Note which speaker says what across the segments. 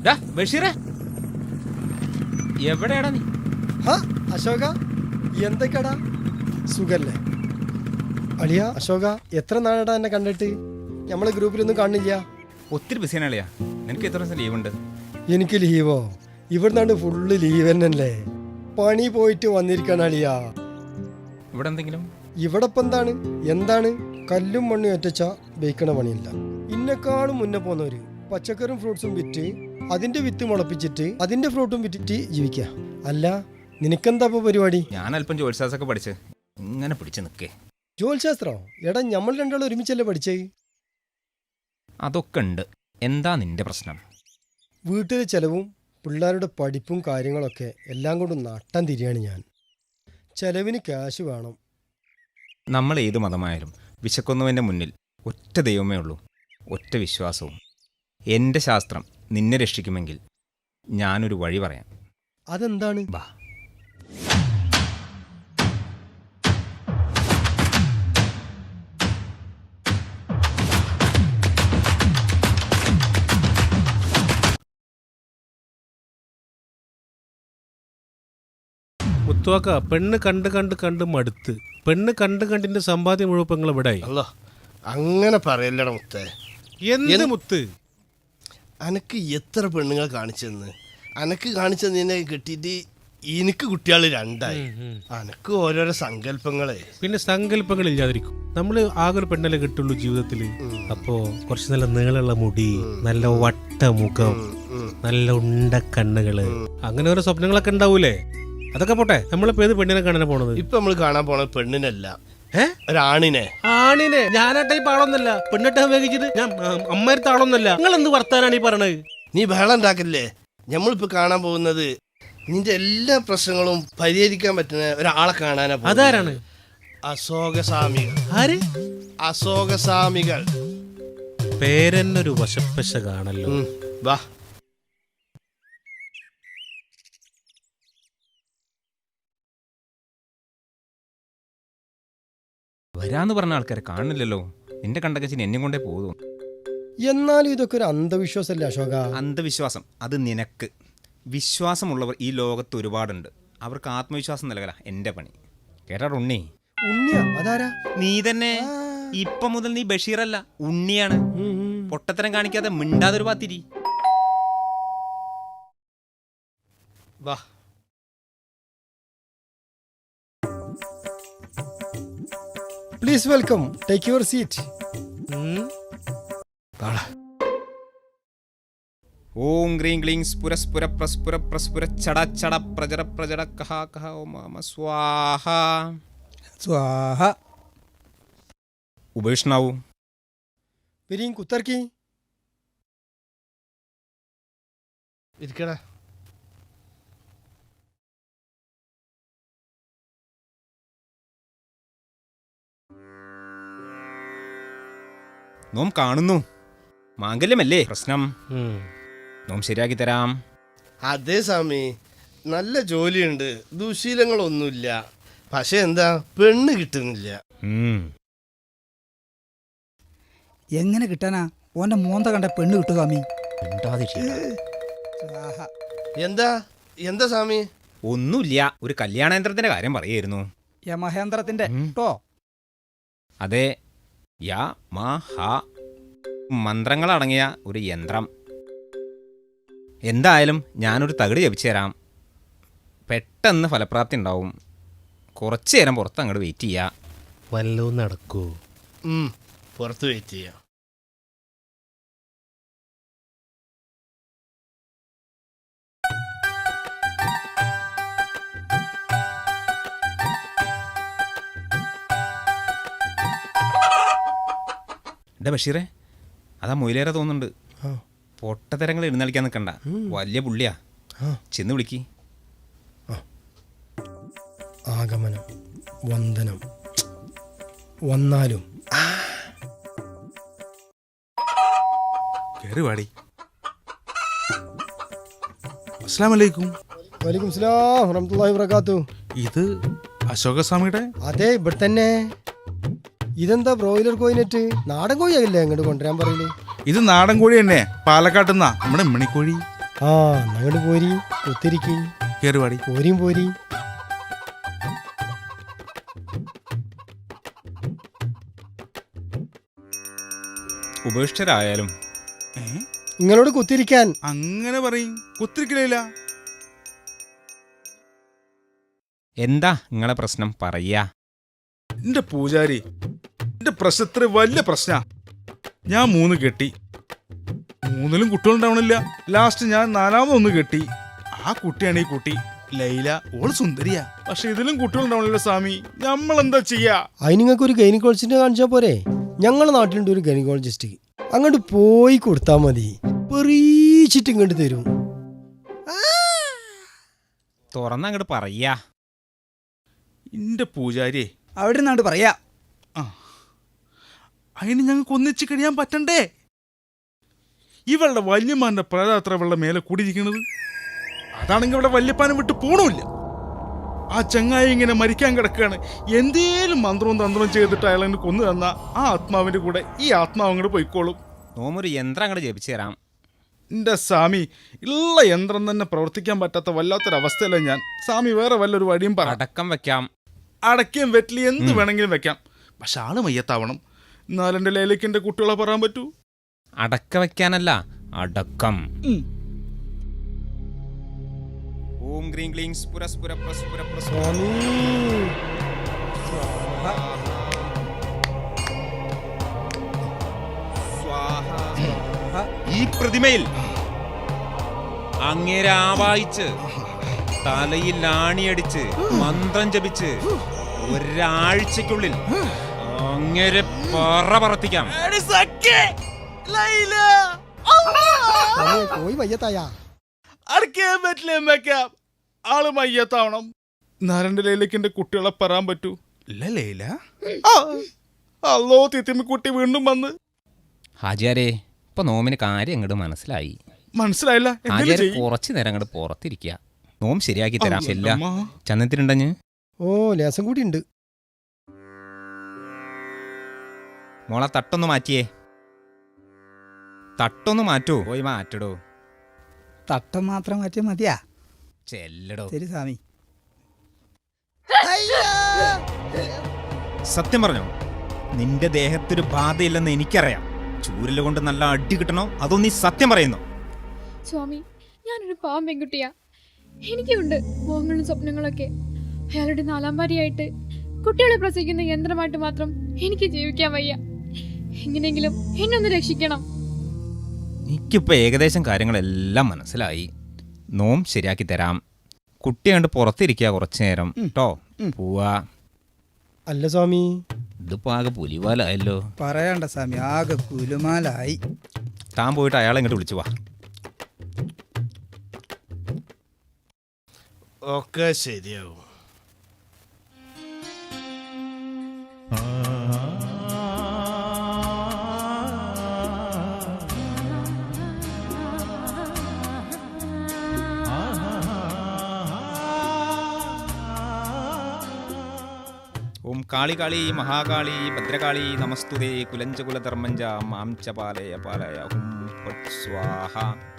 Speaker 1: ബഷീറേ, എവിടെയാടാ നീ?
Speaker 2: അശോക, എന്തൊക്കെയാടാ, സുഖല്ലേ? അളിയ അശോക, എത്ര നാളാടാ എന്നെ കണ്ടിട്ട്? നമ്മളെ ഗ്രൂപ്പിലൊന്നും കാണില്ല.
Speaker 1: ഒത്തിരി ബിസിയാണ് അളിയാ. നിനക്ക് എത്ര ദിവസം ലീവ് ഉണ്ട്?
Speaker 2: എനിക്ക് ലീവോ? ഇവിടുന്നാണ്ട് ഫുള്ള് ലീവ് തന്നെയല്ലേ. പണി പോയിട്ട് വന്നിരിക്കണം അളിയ.
Speaker 1: ഇവിടെ എന്തെങ്കിലും?
Speaker 2: ഇവിടെ ഇപ്പം എന്താണ് കല്ലും മണ്ണും ഒറ്റച്ച ബേക്കണ പണിയില്ല. ഇന്നെക്കാളും മുന്നേ പോന്നവര് പച്ചക്കറിയും ഫ്രൂട്ട്സും വിറ്റ് അതിന്റെ വിത്ത് മുളപ്പിച്ചിട്ട് അതിന്റെ ഫ്രൂട്ടും വിറ്റിട്ട് ജീവിക്കുക. അല്ല, നിനക്കെന്താ ഇപ്പൊ പരിപാടി?
Speaker 1: ഞാൻ അല്പം ജോലിശാസ്ത്രമൊക്കെ പഠിച്ച് ഇങ്ങനെ പിടിച്ച് നിൽക്കേ.
Speaker 2: ജോലിശാസ്ത്രോ? എടാ, നമ്മൾ രണ്ടാളും ഒരുമിച്ചല്ലേ പഠിച്ചേ?
Speaker 1: അതൊക്കെ ഉണ്ട്. എന്താ നിന്റെ പ്രശ്നം?
Speaker 2: വീട്ടിലെ ചെലവും പിള്ളേരുടെ പഠിപ്പും കാര്യങ്ങളൊക്കെ എല്ലാം കൊണ്ടും നട്ടം തിരിയാണ് ഞാൻ. ചെലവിന് ക്യാഷ് വേണം.
Speaker 1: നമ്മൾ ഏത് മതമായാലും വിശക്കുന്നവൻ്റെ മുന്നിൽ ഒറ്റ ദൈവമേ ഉള്ളൂ, ഒറ്റ വിശ്വാസവും. എൻ്റെ ശാസ്ത്രം നിന്നെ രക്ഷിക്കുമെങ്കിൽ ഞാനൊരു വഴി പറയാം.
Speaker 2: അതെന്താണ്?
Speaker 1: ബാ.
Speaker 3: മുത്തുവാക്ക, പെണ്ണ് കണ്ട് കണ്ട് കണ്ട് മടുത്ത്. പെണ്ണ് കണ്ട് കണ്ടിന്റെ സമ്പാദ്യം മുഴുവൻ ഇവിടെ.
Speaker 4: അങ്ങനെ പറയല്ലട മുത്തേ.
Speaker 3: എന്ത് മുത്ത്?
Speaker 4: അനക്ക് എത്ര പെണ്ണുങ്ങൾ കാണിച്ചെന്ന്? അനക്ക് കാണിച്ചതിനെ കിട്ടിയിട്ട് എനിക്ക് കുട്ടികൾ രണ്ടായി. അനക്ക് ഓരോരോ സങ്കല്പങ്ങളെ.
Speaker 3: പിന്നെ സങ്കല്പങ്ങൾ ഇല്ലാതിരിക്കും. നമ്മള് ആകെ ഒരു പെണ്ണല്ലേ കിട്ടുള്ളൂ ജീവിതത്തില്. അപ്പോ കുറച്ച് നല്ല നീളമുള്ള മുടി, നല്ല വട്ട മുഖം, നല്ല ഉണ്ട കണ്ണുകള്, അങ്ങനെ ഓരോ സ്വപ്നങ്ങളൊക്കെ ഉണ്ടാവൂലേ? അതൊക്കെ പോട്ടെ, നമ്മളിപ്പോ ഏത് പെണ്ണിനെ കാണാൻ പോണത്?
Speaker 4: ഇപ്പൊ നമ്മള് കാണാൻ പോണത് പെണ്ണിനല്ല, ഒരാണിനെ.
Speaker 3: ആണിനെ? ഞാനാട്ടെ പാളൊന്നല്ല, പെണ്ണിട്ട് ഉപയോഗിച്ചിട്ട് ഞാൻ അമ്മയടുത്ത ആളൊന്നല്ല. നിങ്ങൾ എന്ത് വർത്താനാണ് ഈ പറയണത്?
Speaker 4: നീ ബഹളം ഉണ്ടാക്കില്ലേ? നമ്മളിപ്പോ കാണാൻ പോകുന്നത് നിന്റെ എല്ലാ പ്രശ്നങ്ങളും പരിഹരിക്കാൻ പറ്റുന്ന ഒരാളെ കാണാനാ.
Speaker 3: അതാരാണ്?
Speaker 4: അശോകസ്വാമികൾ.
Speaker 3: ആര്?
Speaker 4: അശോകസ്വാമികൾ.
Speaker 3: പേരെന്നൊരു വശപ്പശ കാണല്ലോ.
Speaker 4: വാ.
Speaker 1: വരാന്ന് പറഞ്ഞ ആൾക്കാരെ കാണുന്നില്ലല്ലോ. നിന്റെ കണ്ടകച്ചിന് എന്നെ കൊണ്ടേ പോകും.
Speaker 2: എന്നാലും ഇതൊക്കെ ഒരു അന്ധവിശ്വാസമല്ലേ അശോക?
Speaker 1: അന്ധവിശ്വാസം അത് നിനക്ക്. വിശ്വാസമുള്ളവർ ഈ ലോകത്ത് ഒരുപാടുണ്ട്. അവർക്ക് ആത്മവിശ്വാസം നൽകല എൻ്റെ പണി. കേട്ടാ ഉണ്ണി?
Speaker 2: ഉണ്ണിയാ? അതാരാ?
Speaker 1: നീ തന്നെ. ഇപ്പൊ മുതൽ നീ ബഷീറല്ല, ഉണ്ണിയാണ്. പൊട്ടത്തരം കാണിക്കാതെ മിണ്ടാതൊരു പാത്തിരി.
Speaker 4: വാ.
Speaker 2: Please welcome, take your seat.
Speaker 1: ഓം ഗ്രീം ക്ലീം സ്ഫുരസ്ഫുര പ്രസ്ഫുര പ്രസ്ഫുര ചട ചട പ്രജര പ്രജട കഹ കഹ ഓം മാമ സ്വാഹ
Speaker 2: സ്വാഹ.
Speaker 1: ഉപേക്ഷണാവൂ.
Speaker 2: പിരിയും കുത്തർക്കി.
Speaker 4: ഇരിക്കടാ.
Speaker 1: നോം കാണുന്നു. മാംഗല്യമല്ലേ പ്രശ്നം? നോം ശരിയാക്കി തരാം.
Speaker 4: അതെ സ്വാമി, നല്ല ജോലിയുണ്ട്, ദുശീലങ്ങളൊന്നുമില്ല. പക്ഷെ എന്താ, പെണ്ണ് കിട്ടുന്നില്ല.
Speaker 5: എങ്ങനെ കിട്ടാനാ? ഓന്റെ മോന്ത കണ്ട പെണ്ണ് കിട്ടു സ്വാമി.
Speaker 4: എന്താ എന്താ സ്വാമി?
Speaker 1: ഒന്നുമില്ല, ഒരു കല്യാണയന്ത്രത്തിന്റെ കാര്യം പറയായിരുന്നു.
Speaker 5: യമഹേന്ദ്രത്തിന്റെ ട്ടോ.
Speaker 1: അതെ, യാ മാ ഹ മന്ത്രങ്ങളടങ്ങിയ ഒരു യന്ത്രം. എന്തായാലും ഞാനൊരു തകിട് ജപിച്ചു തരാം. പെട്ടെന്ന് ഫലപ്രാപ്തി ഉണ്ടാവും. കുറച്ചു നേരം പുറത്ത് അങ്ങോട്ട് വെയിറ്റ് ചെയ്യാം.
Speaker 3: വല്ലതും നടക്കൂ?
Speaker 4: പുറത്ത് വെയിറ്റ് ചെയ്യാം.
Speaker 1: എൻ്റെ ബഷീറേ, അതാ മൊയിലേറെ തോന്നുന്നുണ്ട്. പൊട്ടത്തരങ്ങൾ എഴുന്നള്ളിക്കാൻ നിൽക്കണ്ട, വലിയ പുള്ളിയാ. ചെന്ന് വിളിക്ക്.
Speaker 2: ആഗമനം, വന്ദനം, വന്നാലും
Speaker 3: കേറിവാടി. അസ്സലാമലൈക്കും.
Speaker 2: വലൈക്കും സലാം വറഹ്മത്തുള്ളാഹി വബറകാതുഹു.
Speaker 3: ഇത് അശോകസ്വാമിയുടെ?
Speaker 2: അതെ, ഇവിടെ തന്നെ. ഇതെന്താ ബ്രോയിലർ കോയിനെറ്റ്? നാടൻ കോഴിയല്ലേ അങ്ങോട്ട് കൊണ്ടുവരാൻ പറയില്ലേ?
Speaker 6: ഇത് നാടൻ കോഴി തന്നെ, പാലക്കാട്ടുന്നാ, നമ്മുടെ മണിക്കോഴി.
Speaker 2: ആ അങ്ങോട്ട് പോരി കുത്തിരിക്കും
Speaker 6: കേറുവാടി.
Speaker 2: പോരിയും പോരി.
Speaker 1: ഉപേക്ഷിതരായാലും
Speaker 2: നിങ്ങളോട് കുത്തിരിക്കാൻ.
Speaker 6: അങ്ങനെ പറയും, കുത്തിരിക്കലില്ല.
Speaker 1: എന്താ നിങ്ങളെ പ്രശ്നം പറയാ?
Speaker 6: എന്റെ പൂജാരി, എന്റെ പ്രശ്നത്തിന് വലിയ പ്രശ്ന. ഞാൻ 3 കെട്ടി, 3ലും കുട്ടികളുണ്ടാവണില്ല. ലാസ്റ്റ് ഞാൻ 4ാമതൊന്ന് കെട്ടി. ആ കുട്ടിയാണ് ഈ കുട്ടി ലൈല. ഓള് സുന്ദരിയാ, പക്ഷെ ഇതിലും കുട്ടികളുണ്ടാവണില്ല സ്വാമി. നമ്മളെന്താ ചെയ്യാ?
Speaker 2: അതിന് നിങ്ങൾക്ക് ഒരു ഗൈനക്കോളജിസ്റ്റിനെ കാണിച്ചാൽ പോരെ? ഞങ്ങളുടെ നാട്ടിലുണ്ട് ഒരു ഗൈനക്കോളജിസ്റ്റ്. അങ്ങോട്ട് പോയി കൊടുത്താൽ മതി, പെറീച്ചിട്ട് ഇങ്ങോട്ട് തരും.
Speaker 1: തുറന്നങ്ങോട്ട് പറയാ.
Speaker 6: എന്റെ പൂജാരിയെ,
Speaker 5: അവിടെ നിന്നാണ്ട് പറയാ.
Speaker 6: അതിന് ഞങ്ങൾക്ക് ഒന്നിച്ച് കഴിയാൻ പറ്റണ്ടേ? ഇവളുടെ വല്യമാന്റെ പ്രേതാത്ര ഇവളുടെ മേലെ കൂടിയിരിക്കുന്നത്. അതാണെങ്കിൽ ഇവിടെ വല്യപ്പാനം വിട്ട് പോണില്ല. ആ ചങ്ങായി ഇങ്ങനെ മരിക്കാൻ കിടക്കുകയാണ്. എന്തേലും മന്ത്രവും തന്ത്രവും ചെയ്തിട്ട് അയാളെ കൊന്നു തന്ന ആ ആത്മാവിന്റെ കൂടെ ഈ ആത്മാവ് അങ്ങോട്ട് പോയിക്കോളും.
Speaker 1: നോമൊരു യന്ത്രം അങ്ങോട്ട് ജപിച്ചു തരാം.
Speaker 6: എന്റെ സ്വാമി, ഉള്ള യന്ത്രം തന്നെ പ്രവർത്തിക്കാൻ പറ്റാത്ത വല്ലാത്തൊരവസ്ഥയല്ല ഞാൻ. സ്വാമി വേറെ വല്ലൊരു വഴിയും പറ.
Speaker 1: അടക്കം വെക്കാം.
Speaker 6: അടയ്ക്കും വെറ്റിലി എന്ത് വേണമെങ്കിലും വെക്കാം, പക്ഷെ ആള് മയ്യത്താവണം. എന്നാലെന്റെ ലേലയ്ക്ക് എന്റെ കുട്ടികളെ പറയാൻ പറ്റൂ.
Speaker 1: അടക്ക വെക്കാനല്ല, അടക്കം. ഓം ഗ്രീം ക്ലീം സ്ഫുര സ്ഫുര പ്രസ്ഫുര പ്രസ്ഫുര.
Speaker 2: സ്വാമി
Speaker 1: സ്വാഹ. ഈ പ്രതിമയിൽ അങ്ങേരെ ആവാഹിച്ച് തലയിൽ ആണിയടിച്ച് മന്ത്രം ജപിച്ച് ഒരാഴ്ചക്കുള്ളിൽ അങ്ങേരെ പറത്തിക്കാം.
Speaker 2: പോയി വയ്യത്തായ.
Speaker 6: അടയ്ക്കാൻ പറ്റില്ല, വെക്കാം. ആള് മയ്യത്താവണം. നാരന്റെ ലേലയ്ക്ക് എന്റെ കുട്ടികളെ പറയാൻ പറ്റൂ. ഇല്ല ലേല. അല്ലോ തിത്തിമിക്കുട്ടി വീണ്ടും വന്ന്.
Speaker 1: ഹാജിയാരെ, ഇപ്പൊ നോമിന് കാര്യം അങ്ങോട്ട് മനസ്സിലായി.
Speaker 6: മനസ്സിലായില്ല.
Speaker 1: ഹാജിയാരെ കുറച്ചു നേരം അങ്ങോട്ട് പുറത്തിരിക്കുക. നോം ശരിയാക്കി തരാം. ചെല്ല ചന്നത്തിനുണ്ടഞ്ഞ്.
Speaker 2: ഓ ലേസം കൂടി ഉണ്ട്.
Speaker 1: മോളെ തട്ടൊന്ന് മാറ്റിയേ. തട്ടൊന്ന് മാറ്റൂ. പോയി മാറ്റടോ.
Speaker 5: തട്ടം മാത്രം മാറ്റിയാൽ മതിയാ?
Speaker 1: ചെല്ലടോ.
Speaker 5: ശരി സ്വാമി.
Speaker 1: സത്യം പറഞ്ഞോ, നിന്റെ ദേഹത്തൊരു ബാധയില്ലെന്ന് എനിക്കറിയാം. ചൂരല് കൊണ്ട് നല്ല അടി കിട്ടണോ അതോ നീ സത്യം പറയുന്നു?
Speaker 7: സ്വാമി, ഞാനൊരു പാവം പെൺകുട്ടിയാ. എനിക്കുണ്ട് മോഹങ്ങളും സ്വപ്നങ്ങളൊക്കെ. അയാളുടെ 4ാം ഭാര്യയായിട്ട് കുട്ടികളെ പ്രസവിക്കുന്ന യന്ത്രമായിട്ട് മാത്രം എനിക്ക് ജീവിക്കാൻ വയ്യ. എങ്ങനെയെങ്കിലും എന്നെ ഒന്ന് രക്ഷിക്കണം.
Speaker 1: എനിക്കിപ്പോ ഏകദേശം കാര്യങ്ങളെല്ലാം മനസ്സിലായി. നോം ശരിയാക്കി തരാം. കുട്ടി കണ്ട് പുറത്തിരിക്കുക കുറച്ചു നേരം കേട്ടോ. പോവാ.
Speaker 2: അല്ല സ്വാമി,
Speaker 1: ഇതിപ്പോ ആകെ പുലിവാലായല്ലോ.
Speaker 5: പറയണ്ട സ്വാമി, ആകെ കുലുമാലായി.
Speaker 1: താൻ പോയിട്ട് അയാളെ ഇങ്ങോട്ട് വിളിച്ചു വാ.
Speaker 4: ഒക്കെ ശരിയാവും.
Speaker 1: ഓം കാളി കാളി മഹാകാളി ഭദ്രകാളി നമസ്തുതേ കുലഞ്ചകുലധർമ്മഞ്ച മാം ച പാലയ പാലയ. ഹും ഫട് സ്വാഹ.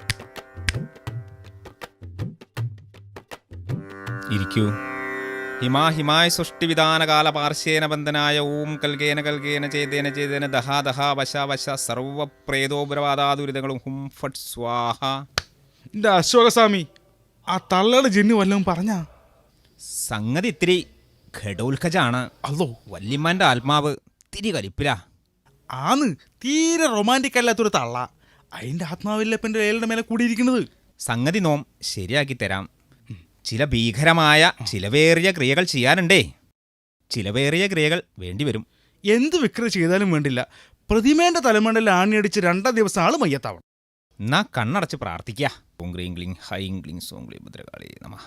Speaker 1: ഇരിക്കൂ. ഹിമായ സൃഷ്ടിവിധാനകാല പാർശ്വേന ബന്ധനായ ഓം കൽകേന കൽകേന ചേതേന ചേതേന ദഹാ ദഹാ വശ വശ സർവപ്രേതോപരവാദാദുരിതങ്ങളും. ഹും ഫട് സ്വാഹ.
Speaker 6: എന്റെ അശോകസ്വാമി, ആ തള്ളയുടെ ജിന്ന് വല്ലതും പറഞ്ഞാ?
Speaker 1: സംഗതി ഇത്തിരി ഘടോത്കജാണ്.
Speaker 6: അല്ലോ,
Speaker 1: വല്യമ്മാന്റെ ആത്മാവ് തിരി കലിപ്പില.
Speaker 6: ആന്ന് തീരെ റൊമാൻറ്റിക് അല്ലാത്തൊരു തള്ള. അതിന്റെ ആത്മാവില്ല ഇപ്പം എന്റെ ലേലയുടെ മേലെ കൂടിയിരിക്കുന്നത്.
Speaker 1: സംഗതി നോം ശരിയാക്കി തരാം. ചില ഭീകരമായ ചിലവേറിയ ക്രിയകൾ ചെയ്യാനുണ്ടേ. ചിലവേറിയ ക്രിയകൾ വേണ്ടിവരും.
Speaker 6: എന്ത് വിക്ര ചെയ്താലും വേണ്ടില്ല, പ്രതിമേന്റെ തലമണ്ടയിൽ ആണിയടിച്ച് 2 ദിവസം ആള് മയ്യത്താവണം.
Speaker 1: എന്നാ കണ്ണടച്ച് പ്രാർത്ഥിക്കുക. ഓം ഗ്രീം ക്ലീം ഹൈം ക്ലീം സോം ക്ലീം ഭദ്രകാളി നമഃ.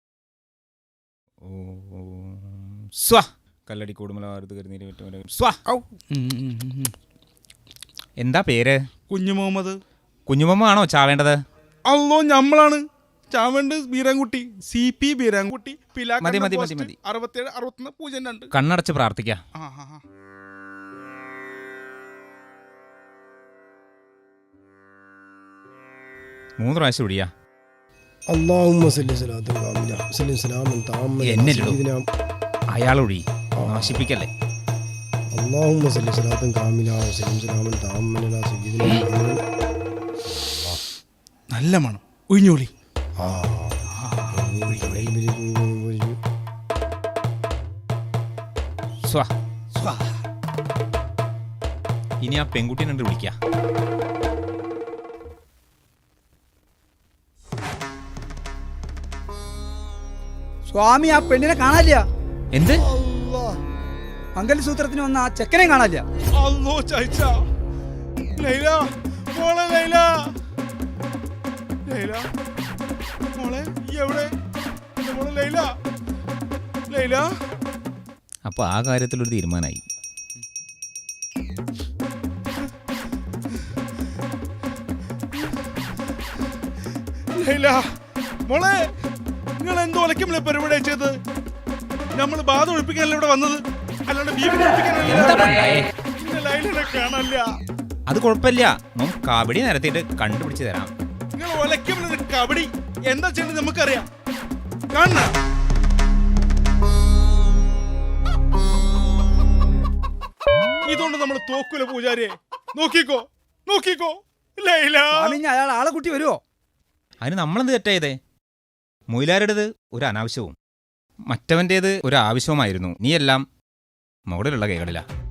Speaker 1: ഓം സ്വ കല്ലടി കൂടുമലാരുത് കരുന്നീര് വിട്ടുമല സ്വ. എന്താ പേര്?
Speaker 6: കുഞ്ഞു മുഹമ്മദ്.
Speaker 1: കുഞ്ഞുമ്മ ആണോ ചാവേണ്ടത്?
Speaker 6: അല്ലോ, ഞമ്മളാണ് ചാവേണ്ട. ബീരാൻകുട്ടി, CP ബീരാൻകുട്ടി,
Speaker 1: മതി, മതി, മതി, മതി.
Speaker 6: 67 61 02.
Speaker 1: കണ്ണടച്ച് പ്രാർത്ഥിക്കുക. 3 പ്രാവശ്യം ഒഴിയാ.
Speaker 2: അല്ലാഹുമ്മ സല്ലി സ്വലാത്തൻ കാമില സല്ലി സലാമൻ താമ്മൻ
Speaker 1: എന്നല്ലടോ.
Speaker 2: സയ്യിദിനാ
Speaker 1: അയാളൊഴി നാശിപ്പിക്കല്ലേ.
Speaker 2: അല്ലാഹുമ്മ സല്ലി സ്വലാത്തൻ കാമില സല്ലി സലാമൻ താമ്മൻ അലാ സയ്യിദിനാ മുഹമ്മദ്.
Speaker 6: നല്ല മണം ഒഴിഞ്ഞോളി.
Speaker 2: ആ
Speaker 1: സ്വാ ഇനി ആ പെൺകുട്ടീനെ കണ്ട് വിളിക്കാം.
Speaker 5: സ്വാമി ആ പെണ്ണിനെ കാണാനില്ല.
Speaker 1: എന്ത്?
Speaker 5: മംഗലസൂത്രത്തിന് വന്ന ആ ചെക്കനെ കാണാനില്ല.
Speaker 6: അല്ലോ ചായച്ച. ലൈല മോളെ, ലൈല ലൈല മോളെ, ഈ എവിടെ? എന്റെ മോളെ ലൈല, ലൈല.
Speaker 1: അപ്പൊ ആ കാര്യത്തിലൊരു തീരുമാനമായി.
Speaker 6: ലൈല മോളെ, നിങ്ങൾ എന്തോ ഒലക്കുമില്ല പരിപാടി ചെയ്ത്. നമ്മൾ ബാധ ഒഴിപ്പിക്കാനല്ല ഇവിടെ വന്നത്, അല്ലാണ്ട് ബീവി
Speaker 1: എന്താ പണ്ടായേ?
Speaker 6: ലൈലിനെ കാണാനില്ല.
Speaker 1: അത് കുഴപ്പമില്ല, നമുക്ക് കബഡി നിരത്തിയിട്ട് കണ്ടുപിടിച്ച് തരാം.
Speaker 6: നിങ്ങൾ ഒലക്കുമില്ല കബഡി എന്താ ചെയ്യേണ്ടത് നമുക്കറിയാം. കാണണ ഇതുകൊണ്ട് നമ്മൾ തോക്കൂല പൂജാരിയെ. നോക്കിക്കോ നോക്കിക്കോ ലൈല.
Speaker 5: സ്വാമി ഇനി അയാൾ ആളെ കൂട്ടി വരുമോ?
Speaker 1: അതിന് നമ്മളെന്ത് തെറ്റായതേ? മൊയിലാരുടേത് ഒരു അനാവശ്യവും മറ്റവൻ്റേത് ഒരു ആവശ്യവുമായിരുന്നു. നീയെല്ലാം മുകളിലുള്ള കൈകളിലാ.